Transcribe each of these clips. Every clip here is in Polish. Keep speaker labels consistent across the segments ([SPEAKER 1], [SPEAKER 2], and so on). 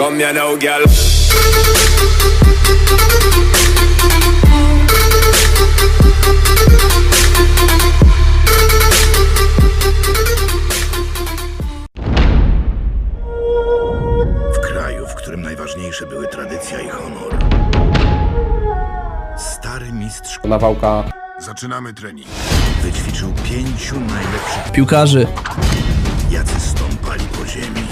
[SPEAKER 1] come here now, girl.
[SPEAKER 2] W kraju, w którym najważniejsze były tradycja i honor. Stary mistrz
[SPEAKER 3] Nawałka
[SPEAKER 2] Zaczynamy trening. Wyćwiczył 5 najlepszych
[SPEAKER 4] piłkarzy.
[SPEAKER 2] jacy stąpali po ziemi.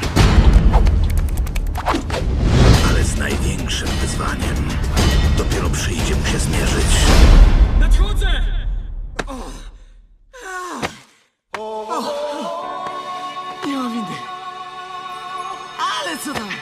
[SPEAKER 2] Ale z największym wyzwaniem dopiero przyjdzie mu się zmierzyć.
[SPEAKER 5] Nadchodzę! Nie ma windy. Ale co tam?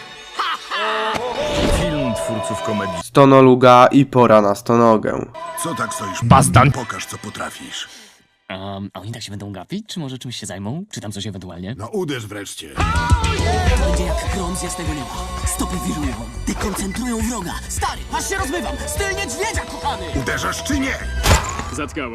[SPEAKER 2] Film twórców komedii.
[SPEAKER 3] Stonoluga i Pora na stonogę.
[SPEAKER 2] Co tak stoisz?
[SPEAKER 4] Bastan.
[SPEAKER 2] Pokaż, co potrafisz.
[SPEAKER 5] A oni tak się będą gapić? Czy może czymś się zajmą? Czy tam coś ewentualnie?
[SPEAKER 2] No uderz wreszcie.
[SPEAKER 5] Będzie jak grom z jasnego nieba. Stopy wirują, dekoncentrują wroga. Stary, aż się rozmywam! Styl niedźwiedzia, kochany!
[SPEAKER 2] Uderzasz czy nie?
[SPEAKER 5] Zatkało.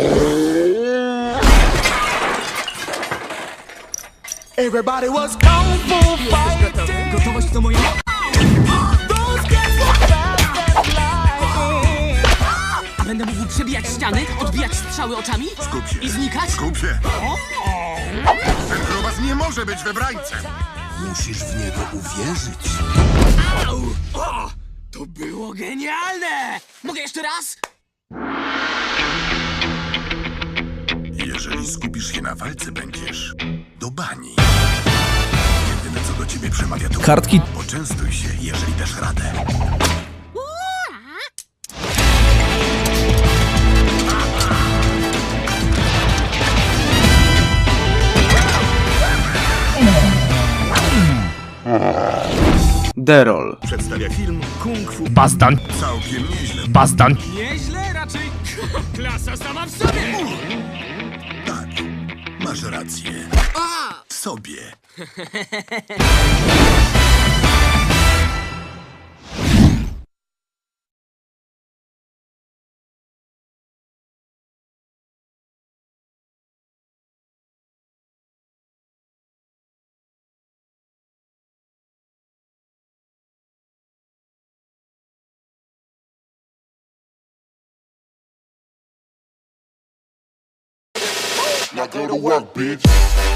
[SPEAKER 6] Everybody was kung fu fighting.
[SPEAKER 5] Gotowość to moja...
[SPEAKER 6] Those cats were fast as lightning.
[SPEAKER 5] Będę mógł przebijać ściany, odbijać strzały oczami
[SPEAKER 2] Skup się.
[SPEAKER 5] i znikać?
[SPEAKER 2] Skup się. Ten grubas nie może być wybrańcem. Musisz w niego uwierzyć.
[SPEAKER 5] Au! O! To było genialne! Mogę jeszcze raz?
[SPEAKER 2] Jeżeli skupisz się na walce, będziesz do bani. Jedyne, co do ciebie przemawia, to
[SPEAKER 4] Kartki.
[SPEAKER 2] poczęstuj się, jeżeli dasz radę.
[SPEAKER 3] Derol.
[SPEAKER 2] Przedstawia film Kung Fu.
[SPEAKER 4] Bastan.
[SPEAKER 2] Całkiem nieźle.
[SPEAKER 4] Bastan.
[SPEAKER 5] Nieźle, raczej klasa sama w sobie!
[SPEAKER 2] Tak, masz rację. W sobie.
[SPEAKER 7] Now go to work, bitch.